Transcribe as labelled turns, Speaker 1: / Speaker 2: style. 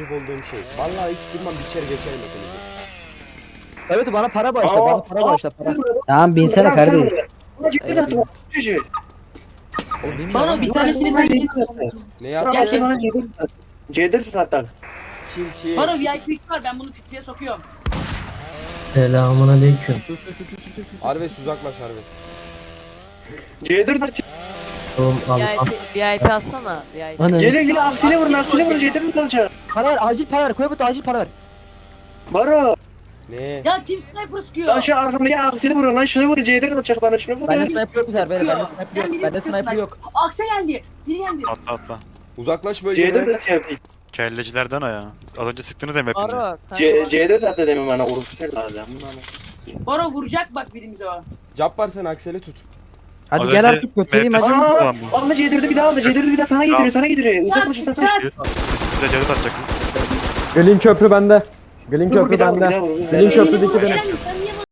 Speaker 1: gıcık olduğum şey. Vallahi hiç durmam biçer geçerim hepinizi.
Speaker 2: Evet bana para bağışla. Bana para bağışla. Para.
Speaker 3: Tamam binsene kardeş.
Speaker 2: Oğlum bilmiyorum
Speaker 4: Baro
Speaker 2: ama.
Speaker 4: bir tanesini sen kesin.
Speaker 1: Ne
Speaker 4: Gel
Speaker 1: yaptın?
Speaker 4: kes.
Speaker 5: C4 tut hatta.
Speaker 1: Kim?
Speaker 4: Baro VIP var ben bunu pipiye sokuyorum.
Speaker 3: Selamun aleyküm.
Speaker 1: Arves uzaklaş Arves.
Speaker 5: C4 tut.
Speaker 3: Oğlum al.
Speaker 6: VIP alsana. VIP.
Speaker 3: Ana.
Speaker 5: Gelin aksine vurun C4 tut alacak.
Speaker 2: Para ver. Acil para ver. Koybut acil para ver.
Speaker 5: Baro.
Speaker 1: Ne?
Speaker 4: Ya kim sniper sıkıyor?
Speaker 5: Lan şu arkamdaki aksine vurun lan şunu vurun C4 atacak bana şunu vurun.
Speaker 2: Bende sniper yok bu sefer. Bende
Speaker 4: Sıkıyor.
Speaker 2: sniper
Speaker 4: Sen
Speaker 2: yok.
Speaker 4: biri
Speaker 2: Bende
Speaker 4: sıkıyorsun
Speaker 2: sniper
Speaker 4: bak.
Speaker 2: yok.
Speaker 4: Akse geldi. Biri geldi.
Speaker 7: Atla atla.
Speaker 1: Uzaklaş
Speaker 5: C4
Speaker 1: bölgeden.
Speaker 5: atacak.
Speaker 7: Kellecilerden o ya. Az önce sıktınız hem hepinize.
Speaker 6: Baro.
Speaker 5: C4 attı demin bana uruslar lazım.
Speaker 4: Baro vuracak bak birimizi o.
Speaker 1: Cabbar sen Aksel'i tut.
Speaker 2: Hadi
Speaker 7: Az
Speaker 2: gel
Speaker 7: önce
Speaker 2: artık götüreyim
Speaker 7: Mert'e
Speaker 2: hadi.
Speaker 7: sıktı
Speaker 5: Aa,
Speaker 7: lan bu.
Speaker 5: Allah C4'ü bir daha aldı. C4'ü bir daha sana getiriyor. Uzak koşun sen.
Speaker 7: Size cadı atacak.
Speaker 2: Gelin köprü bende. Gelin
Speaker 5: Bir
Speaker 2: köprü
Speaker 5: daha vur, bir
Speaker 2: bende.
Speaker 5: daha vur.
Speaker 2: Gelin
Speaker 4: Elini
Speaker 2: köprüdeki
Speaker 4: vur,
Speaker 2: benim.
Speaker 4: Eren, sen niye